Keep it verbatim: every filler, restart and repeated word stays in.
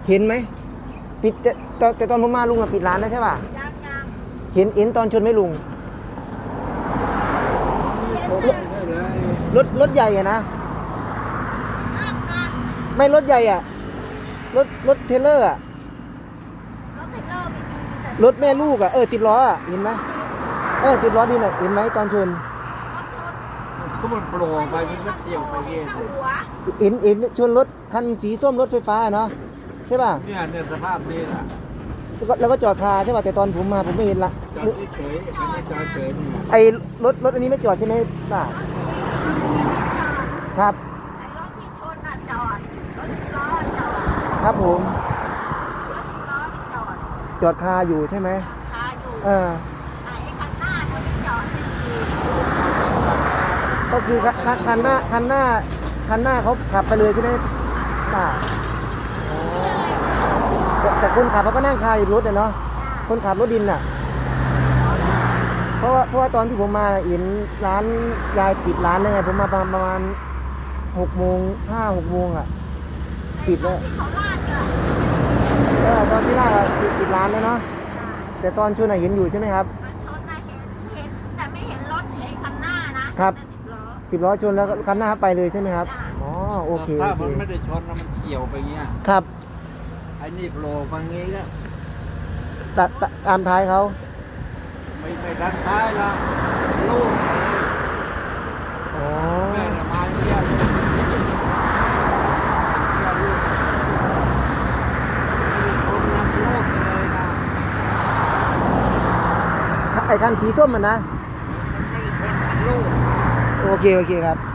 เห็นไหมปิดแต่แต่แต่ตอนผมมาลุงอะปิดร้านแล้วใช่ป่ะยังยังเห็นเห็นตอนชนไหมลุงเห็นเลยรถรถใหญ่อะนะอัพนะไม่รถใหญ่อะรถรถเทรลเลอร์อะรถเทรลเลอร์ไม่มีมีแต่รถแม่ลูกอะเออติดล้ออะเห็นไหมเออติดล้อดินอะเห็นไหมตอนชนรถชนเขามันโปร่งไปมันก็เกี่ยวไปเงี้ยหัวเห็นเห็นชนรถคันสีส้มรถไฟฟ้าเนาะใช่ป่ะเนี่ยเนี่ยสภาพนี้แหละแล้วก็แล้วก็จอดคาใช่ป่ะแต่ตอนผมมาผมไม่เห็นละจอดที่เฉยอันนี้จอดเฉยนี่ไอ้รถรถอันนี้ไม่จอดใช่ไหมป่ะครับไอ้รถที่ชนน่ะจอดรถสิบล้อจอดครับผมรถสิบล้อนี่จอดจอดคาอยู่ใช่ไหมคาอยู่เออไหนคันหน้าเขาไม่จอดไม่ดีก็คือคันคันหน้าคันหน้าคันหน้าเขาขับไปเลยใช่ไหมป่ะอ๋อแต่แต่คนขับเขาก็นั่งคาอยู่รถอะเนาะคนขับรถดินน่ะ เพราะว่าเพราะว่าตอนที่ผมมาเห็นร้านยายปิดร้านแล้วไงผมมาประมาณประมาณหกโมงห้าหกโมงอ่ะ ปิดแล้วที่เขาลาดเนี่ยเออตอนที่แรกอะปิดปิดร้านแล้วเนาะแต่ตอนชนอะเห็นอยู่ใช่ไหมครับมันชนน่ะเห็นเห็นแต่ไม่เห็นรถไอ้คันหน้านะครับ แต่สิบล้อสิบล้อชนแล้วคันหน้าไปเลยใช่ไหมครับอ๋อโอเคถ้าโอเคมันไม่ได้ชนแล้วมันเกี่ยวไปเงี้ยครับไอ้นี่โผล่มางี้ก็ตัดตัดตามท้ายเขาไม่ไม่ดันท้ายละลูกอ๋อแม่ละมาเนี่ยลูกลูกคนนักโลกไปเลยนะไอ้คันสีส้มมันนะมันไม่ได้ชนลูกโอเคโอเคครับ